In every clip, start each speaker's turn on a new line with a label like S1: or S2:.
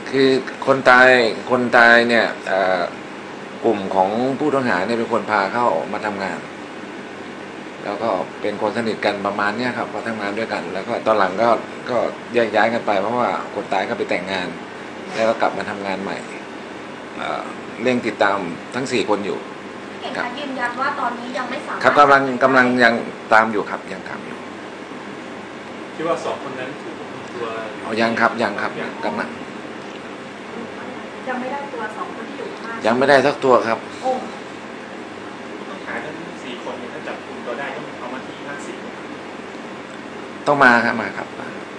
S1: คือคนตายเนี่ยกลุ่มของผู้ต้องหาเนี่ยเป็นคนพาเข้ามาทำงานแล้วก็เป็นคนสนิทกันประมาณนี้ครับพอทำงานด้วยกันแล้วก็ตอนหลังก็แยกย้ายกันไปเพราะว่าคนตายก็ไปแต่งงานแล้วก็กลับมาทำงานใหม่เร่งติดตามทั้ง4 คนอยู่
S2: เห็นการยืนยันว่าตอนนี้ยังไม่สามารถ
S1: ครับกำลังยังตามอยู่ครับยังตามอยู่
S3: คิดว่า2 คนนั้นถูกคุมตัว
S1: ยังครับกำลัง
S2: ยังไม่ได้ตัว2 คนที่อยู่ข้าง
S1: ยังไม่ได้สักตัวครับ
S2: โอ้
S3: ต้องหาทั้ง4 คนถ้าจับคุมตัวได้ต้องเอามาที่50
S1: ต้องมาครับ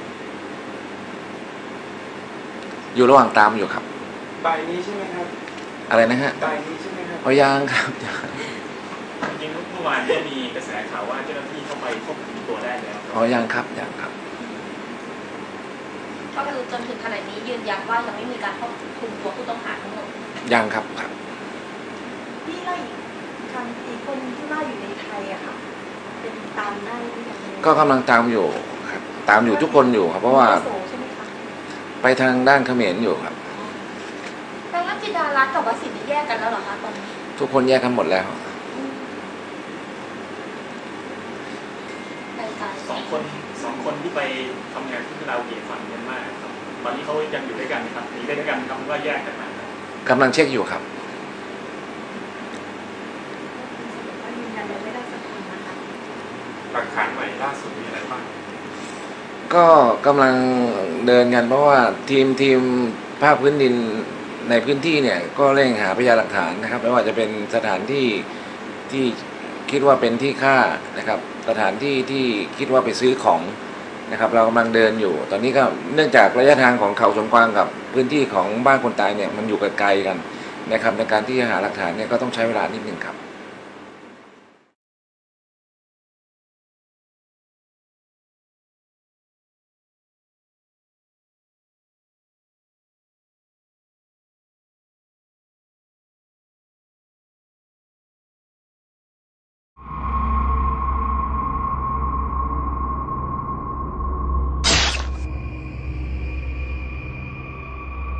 S1: อยู่ระหว่างตามอยู่ครับ
S3: บ่ายนี้ใช่ไหมครับ
S1: อะไรนะฮะ
S3: บ่ายนี้ใช่ไหมครับ
S1: ยังครับ
S3: จริงๆเมื่อวานก็มีกระแสข่าวว่าเจ้าหน้าที่เข้าไปควบคุมตัวได้แล้ว
S1: ยังครับ
S2: ก็คือจนถึงขณะนี้ยืนยันว่ายังไม่มีการควบคุมตัวผู้ต้องหาทั้งหมด
S1: ยังครับ
S2: ที่ไล่อีกคนที่ว่าอยู่ในไทยอะค่ะเป็นตามได้หรือยัง
S1: ก็กำลังตามอยู่ครับตามอยู่ทุกคนอยู่ครับเพราะว่าไปทางด้านเขมรอยู่ครับ
S2: แปลว่าจิดารัตน์กับวสินทร์แยกกันแล้วเหรอคะตอนนี้
S1: ทุกคนแยกกันหมดแล้ว
S3: 2 คนที่ไปทำงานที่เราเกี่ยวฝั่งเมียนมาครับตอนนี้เขายังอยู่ด้วยกันครับหนีได้ด้วยกันครับว่าแยกกันมาก
S1: ำลังเช็คอยู่ครับ
S3: หลักฐานใหม่ล่าสุดมีอะไรบ้าง
S1: ก็กำลังเดินกันเพราะว่าทีมภาคพื้นดินในพื้นที่เนี่ยก็เร่งหาพยานหลักฐานนะครับไม่ว่าจะเป็นสถานที่ที่คิดว่าเป็นที่ฆ่านะครับสถานที่ที่คิดว่าไปซื้อของนะครับเรากำลังเดินอยู่ตอนนี้ก็เนื่องจากระยะทางของเขาสวนกวางกับพื้นที่ของบ้านคนตายเนี่ยมันอยู่ไกลกันนะครับในการที่จะหาหลักฐานเนี่ยก็ต้องใช้เวลานิดนึงครับ